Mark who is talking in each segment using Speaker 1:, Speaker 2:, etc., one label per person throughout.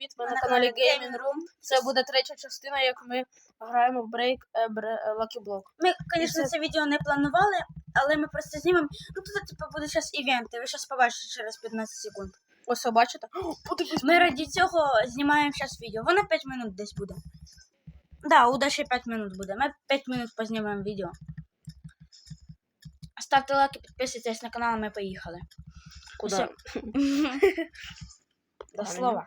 Speaker 1: привіт! Ми на каналі Gaming Room. Це буде третя частина, як ми граємо в Break Lucky Block.
Speaker 2: Ми, звісно, це відео не планували, але ми просто знімемо. Ну тут типу буде зараз івенти, ви зараз побачите через 15 секунд.
Speaker 1: Ось, бачите?
Speaker 2: Ми раді цього знімаємо зараз відео. Воно 5 минут десь буде. Да, у Даші 5 минут буде. Ми 5 минут познімаємо відео. Ставте лайки, підписуйтесь на канал, ми поїхали.
Speaker 1: Куди?
Speaker 2: До слова.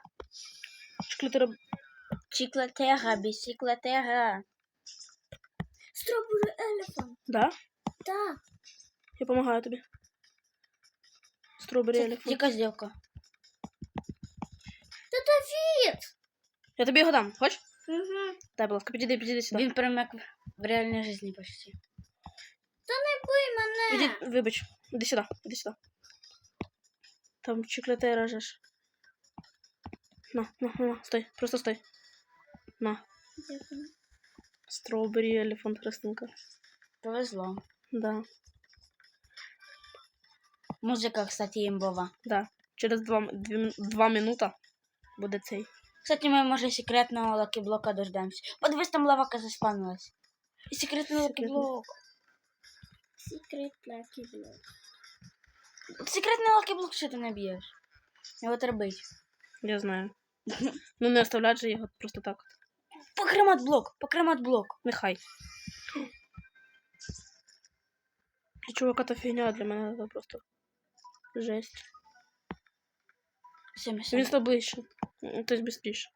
Speaker 2: Чіклетера, бісіклетера. Strawberry elephant.
Speaker 1: Да?
Speaker 2: Так.
Speaker 1: Я допомагаю тобі. Strawberry elephant.
Speaker 2: Яка зділка?
Speaker 3: Та Давід!
Speaker 1: Я тобі його дам, хочеш?
Speaker 2: Угу.
Speaker 1: Дай, будь ласка, підійди сюди.
Speaker 2: Він прям як в реальній житті почти.
Speaker 3: Та не бий мене!
Speaker 1: Вибач, іди сюди. Там чіклетера же ж. На, стой, просто стой. На. Strawberry elephant, Христинка.
Speaker 2: Повезло.
Speaker 1: Да.
Speaker 2: Музика, кстати, імбова.
Speaker 1: Да. Через 2 минута буде цей.
Speaker 2: Кстати, ми, може, секретного лакіблока дождемось. Подивись, там лавака заспавнилась. І секретний лакіблок.
Speaker 3: Секрет Lucky Block.
Speaker 2: Секретний лакіблок, що ти не б'єш? Його тербить.
Speaker 1: Я знаю. Ну не оставлять же його просто так.
Speaker 2: Покремат блок.
Speaker 1: Нехай. Для чувака та фігня, для мене це просто жесть. Він став ближче. Тобто быстріше.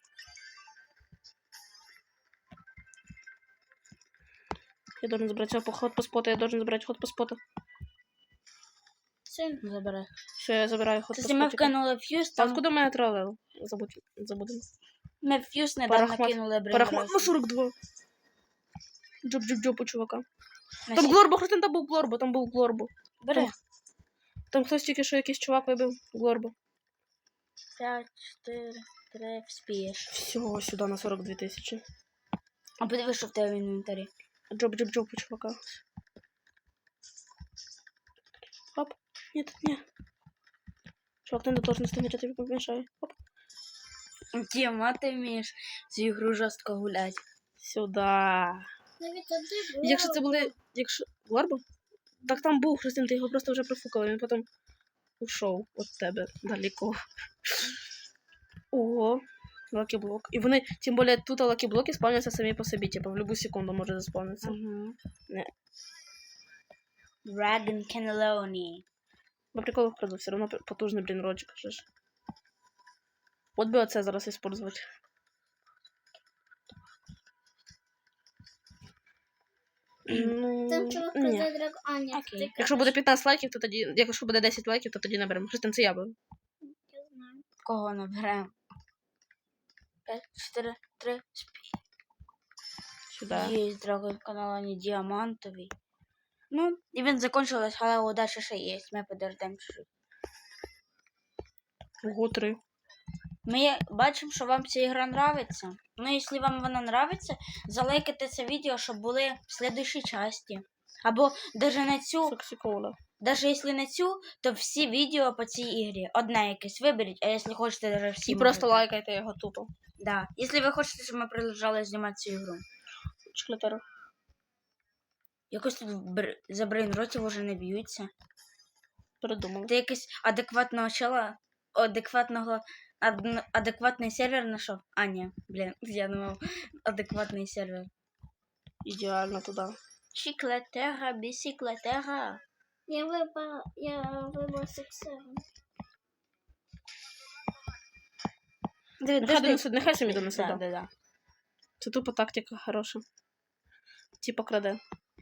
Speaker 1: Я должен забрать ход по споту, ход по споту.
Speaker 2: Все, забирай.
Speaker 1: Все, я забираю ход по
Speaker 2: Кстати, ми
Speaker 1: споту.
Speaker 2: вкинули фьюз,
Speaker 1: А
Speaker 2: там...
Speaker 1: откуда мене тролел? Забудемо.
Speaker 2: Ми фьюз недавно
Speaker 1: Парахмат.
Speaker 2: кинули
Speaker 1: Парахмат на
Speaker 2: брейнросу.
Speaker 1: 42. Джоп у чувака. Там Глорбо, Христин, там був Глорбо.
Speaker 2: Бери.
Speaker 1: Там хтось тільки що якийсь чувак вибив Глорбо.
Speaker 2: 5, 4, 3, вспієш.
Speaker 1: Всього сюди на 42 тисячі.
Speaker 2: А подивись, що в тебе в інвентарі.
Speaker 1: Джоп у чувака. Оп. Нет. Чувак, ты не должен стоять, я тебе помешаю. Оп.
Speaker 2: Тіма, ти вмієш цю ігру жорстко гулять.
Speaker 1: Сюда.
Speaker 3: Давід, а де було?
Speaker 1: Якщо це були... Глорбо? Так там був, Христин, ти його просто вже профукала, він потім ушов від тебе далеко. Ого. Лакі-блок. І вони, тим більше, тут лакі-блоки спавняться самі по собі, типу, в любу секунду може заспавнитися.
Speaker 2: Угу.
Speaker 1: Не.
Speaker 2: Dragon Cannelloni.
Speaker 1: По приколу вкраду, все равно потужний, блін, роджик, же ж. От би оце зараз использувати. Ну,
Speaker 3: Там чувак
Speaker 1: ні.
Speaker 3: казав драк... А, ні,
Speaker 2: Окей.
Speaker 3: ти
Speaker 1: Якщо буде 15 лайків, то тоді... Якщо буде 10 лайків, то тоді наберемо. Христин, це я буду.
Speaker 3: Я знаю.
Speaker 2: Кого наберемо? 5, 4, 3,
Speaker 1: Сюди.
Speaker 2: Є Dragon Cannelloni діамантовий. Ну, івент закончилось, але удача ще є. Ми подождемо чуть-чуть.
Speaker 1: Ого, 3.
Speaker 2: Ми бачимо, що вам ця ігра нравиться. Ну, якщо вам вона нравиться, залайкайте це відео, щоб були в слідуючій часті. Або навіть на цю,
Speaker 1: Соксикола.
Speaker 2: навіть якщо не цю, то всі відео по цій ігрі. Одне якесь виберіть, а якщо хочете, навіть всі
Speaker 1: І просто
Speaker 2: можете.
Speaker 1: лайкайте його тупо.
Speaker 2: Да. Якщо ви хочете, щоб ми продовжали знімати цю ігру.
Speaker 1: Чеклетера.
Speaker 2: Якось тут за брейнротів уже не б'ються.
Speaker 1: Передумали.
Speaker 2: Ти якийсь адекватного чела, адекватний сервер знайшов? А, ні, блін, я думав, адекватний сервер.
Speaker 1: Ідеально туди.
Speaker 2: Чіклетера, бісіклетера.
Speaker 3: Я вибрав сексером.
Speaker 1: Нехай самі донесе. Да.
Speaker 2: Да.
Speaker 1: Це тупо тактика хороша. Типа краде.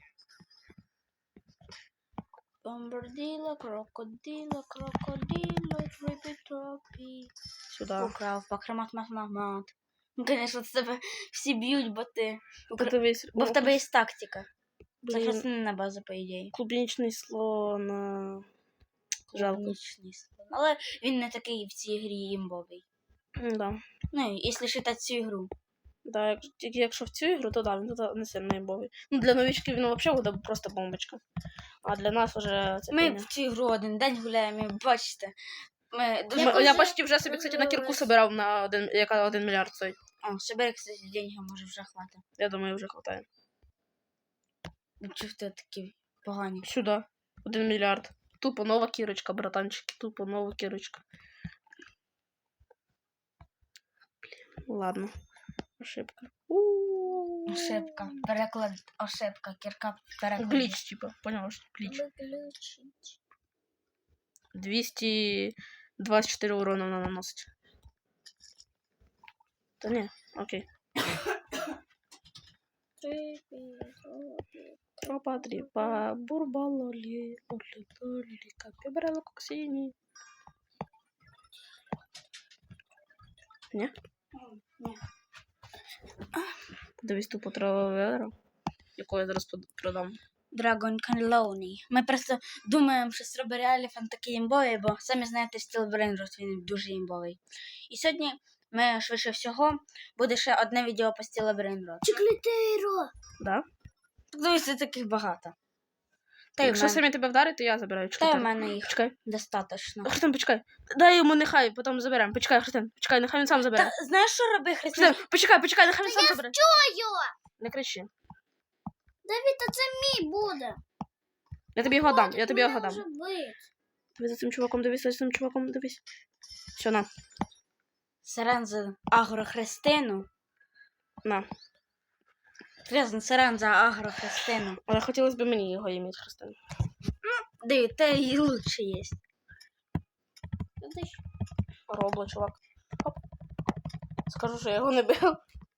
Speaker 2: Бомбарділо, крокодило, трипі-тропі.
Speaker 1: Сюди.
Speaker 2: Украв, покремат. Ну, конечно, з тебе всі б'ють, бо ти...
Speaker 1: Подивись.
Speaker 2: Бо в тебе є тактика. Це
Speaker 1: Блін.
Speaker 2: основна база, по ідеї.
Speaker 1: Клубнічний слон. Жалко.
Speaker 2: Клубнічний слон. Але він не такий в цій грі імбовий.
Speaker 1: Да.
Speaker 2: Ну, якщо считати цю ігру.
Speaker 1: Да, тільки якщо в цю ігру, то да, він тут не сильно імбовий. Ну, для новичків він взагалі буде просто бомбочка. А для нас вже це
Speaker 2: Ми
Speaker 1: фігня.
Speaker 2: в цю ігру один день гуляємо, і бачите,
Speaker 1: Я почти вже собі, кстати, на кірку собирав на яка 1 мільярд стоїть.
Speaker 2: О, собери, кстати, деньги, може вже хватить.
Speaker 1: Я думаю, вже хватає.
Speaker 2: Чого ти такі погані?
Speaker 1: Сюди. 1 мільярд. Тупо нова кірочка, братанчики. Тупо нова кірочка. Блін, ладно. Ошибка.
Speaker 2: Ошибка. Переклад. Ошибка. Кірка переклад.
Speaker 1: Гліч, типа. Поняла, що гліч.
Speaker 3: Выключить.
Speaker 1: 224 урона вона наносить. Та ні, окей. Тропа, тріпа, бурбалолі, орлітолі, капібрало, коксіні. Ні?
Speaker 2: Ні.
Speaker 1: Подивись тупо травоведро, яку я зараз продам.
Speaker 2: Dragon Canloni. Ми просто думаємо, що Strawberry Elephant такий імбовий, бо самі знаєте, Steel Brainrot, він дуже імбовий. І сьогодні ми, швидше всього, буде ще одне відео по Steel Brainrot.
Speaker 3: Чиклітейро.
Speaker 1: Да?
Speaker 2: Так дивіться, таких багато. Та й в
Speaker 1: Якщо
Speaker 2: мене,
Speaker 1: самі тебе вдарить, то я забираю.
Speaker 2: та й
Speaker 1: Чекай.
Speaker 2: в мене їх
Speaker 1: Почекай.
Speaker 2: достатньо.
Speaker 1: Христин, почекай. Дай йому нехай, потім заберемо. Почекай, Христин. Почекай, нехай він сам забере.
Speaker 2: Та знаєш, що роби, Христина?
Speaker 1: Христин, почекай, нехай він сам забере.
Speaker 3: Чую.
Speaker 1: Не кричи.
Speaker 3: Давід, а це мій буде.
Speaker 1: Я тобі його дам, я тобі його
Speaker 3: Може
Speaker 1: дам.
Speaker 3: бути.
Speaker 1: Дивись за цим чуваком, дивись за цим чуваком, дивись. Все, на.
Speaker 2: Сирен за Агрохристину.
Speaker 1: На.
Speaker 2: Серйозно, сирен за Агрохристину.
Speaker 1: Але хотілося б мені його ім'я, Христин.
Speaker 2: Диви, те і лучше є.
Speaker 1: Робло, чувак. Хоп. Скажу, що я його не бив.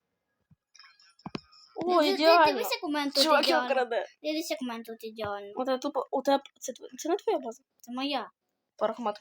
Speaker 1: О, ідеально.
Speaker 3: Дивись, як у мене тут
Speaker 1: Чувак його
Speaker 3: ідеально.
Speaker 1: краде.
Speaker 3: Дивись, як у мене тут ідеально.
Speaker 1: У тебе тупо, у тебе, це не твоя база?
Speaker 3: Це моя.
Speaker 1: Порох, мат.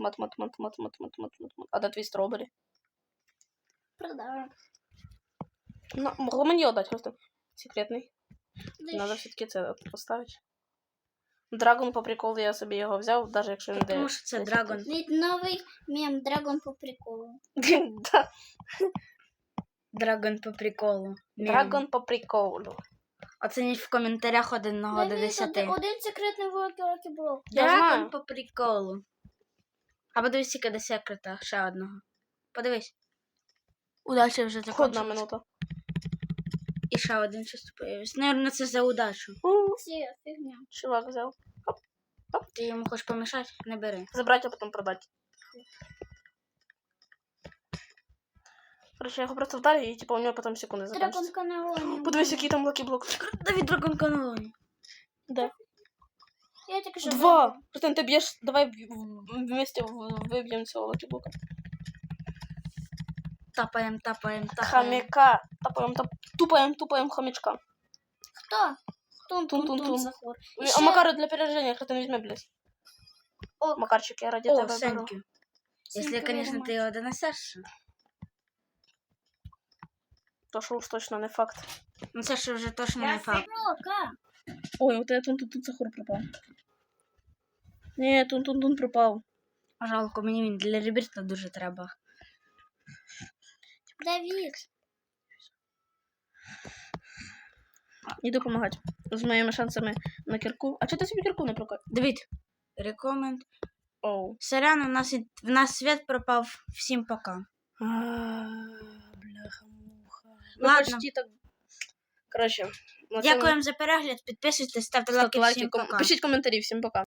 Speaker 1: А де твій стробері?
Speaker 3: Продаю.
Speaker 1: Ну, могло мені його дати, просто секретний. Надо все-таки це поставити. Драгон по приколу я собі його взяв, навіть якщо він
Speaker 2: Тому що це Драгон.
Speaker 3: Новий мем Драгон по приколу.
Speaker 1: Да.
Speaker 2: Драгон по приколу.
Speaker 1: Драгон по приколу.
Speaker 2: Оцініть в коментарях 1 до 10.
Speaker 3: Один секретний волокі блок.
Speaker 1: Я
Speaker 2: Драгон
Speaker 1: знаю.
Speaker 2: по приколу. А подивись, скільки до секрета. Ще одного. Подивись. Удача вже
Speaker 1: Одна
Speaker 2: закончилась.
Speaker 1: минута.
Speaker 2: І ще один щось появився. Наверно, це за удачу.
Speaker 3: Це фігня.
Speaker 1: Чувак взяв.
Speaker 2: Ти йому хочеш помішати? Не бери.
Speaker 1: Забрать, а потім продати. Короче, я його просто вдарю і типу у нього потім секунди
Speaker 3: Драгон
Speaker 1: закінчиться.
Speaker 3: каналоні.
Speaker 1: Подивись, який там лакі-блок.
Speaker 2: Давід Драгон Каналоні.
Speaker 1: Да.
Speaker 3: Я тільки що
Speaker 1: 2. Просто ти б'єш, давай вместе виб'ємо цього лакі-блока.
Speaker 2: Тапаємо.
Speaker 1: Хомяка. Тупаємо хомячка.
Speaker 3: Хто?
Speaker 1: Тун-тун-тун.
Speaker 3: Тун-тун-тун Захор.
Speaker 1: А Макару для перерождения хто не візьме, блядь.
Speaker 3: О,
Speaker 1: Макарчик, я ради
Speaker 2: О,
Speaker 1: тебе беру.
Speaker 2: сенькю. Якщо, звісно, ти його донесеш.
Speaker 1: То що уж точно не факт.
Speaker 2: Ну це ж вже точно не факт.
Speaker 3: Блока.
Speaker 1: Ой, вот это тут Захур пропав. Ні, тун пропав.
Speaker 2: Жалко, мені він для ребірта дуже треба.
Speaker 3: Давід.
Speaker 1: Іду допомагати. З моїми шансами на кірку. А чого ти собі кірку не прокат?
Speaker 2: Дивіться. Рекоменд.
Speaker 1: Оу.
Speaker 2: Сорян, в нас світ пропав. Всім пока.
Speaker 1: Бляха-муха.
Speaker 2: Ладно.
Speaker 1: Почти так. Короче.
Speaker 2: Дякуємо за перегляд. Підписуйтесь, ставте
Speaker 1: Ставте
Speaker 2: лайки.
Speaker 1: лайки,
Speaker 2: Всім пока.
Speaker 1: пишіть коментарі. Всім пока.